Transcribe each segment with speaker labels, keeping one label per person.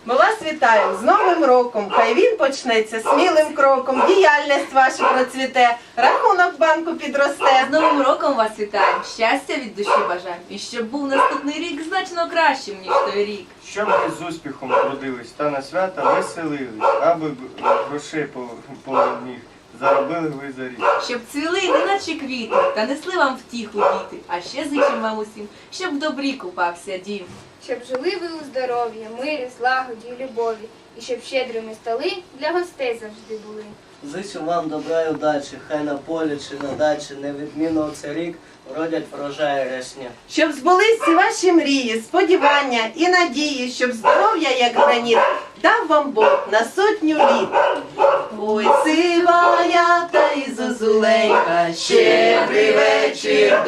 Speaker 1: Ми вас вітаємо з Новим роком. Хай він почнеться смілим кроком, діяльність ваша процвіте, рахунок банку підросте.
Speaker 2: З Новим роком вас вітаємо, щастя від душі бажаємо. І щоб був наступний рік значно кращим, ніж той рік.
Speaker 3: Щоб ви з успіхом трудились та на свята веселились, аби грошей поміг, заробили ви за рік.
Speaker 2: Щоб цвіли неначе квіти, та несли вам втіху діти. А ще зичим вам усім, щоб в добрі купався дім.
Speaker 4: Щоб жили ви у здоров'ї, мирі, злагоді і любові, і щоб щедрими столи для гостей завжди були.
Speaker 5: Зичу вам добра й удачі, хай на полі чи на дачі, невідмінно цей рік вродять врожаї рясні.
Speaker 1: Щоб збулись всі ваші мрії, сподівання і надії, щоб здоров'я, як граніт, дав вам Бог на 100 літ. Ой, сивая та й зозуленька, щедрий вечір,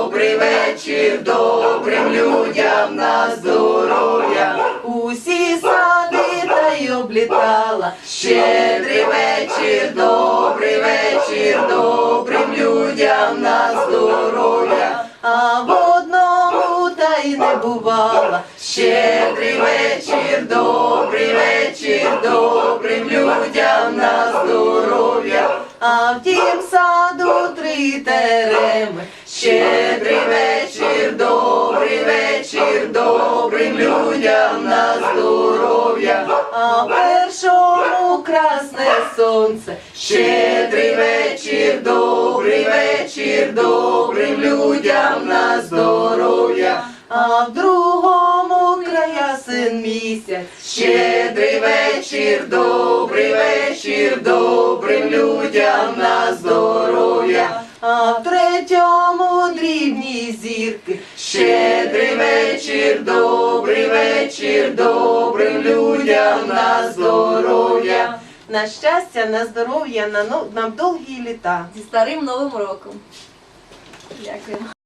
Speaker 1: добрим людям на здоров'я. Усі сади та й облітала, щедрий вечір, добрим людям на здоров'я. А в одному та й не бувала, щедрий вечір, добрим людям на здоров'я. А в тім саду 3 тереми, щедрий вечір, добрим людям на здоров'я. А в першому красне сонце, щедрий вечір, добрим людям на здоров'я. А в другому краясен місяць, щедрий вечір, добрим людям на здоров'я. А в третьому дрібні зірки, щедрий вечір, добрим людям на здоров'я. На щастя, на здоров'я, на довгі літа.
Speaker 2: Зі старим Новим роком. Дякую.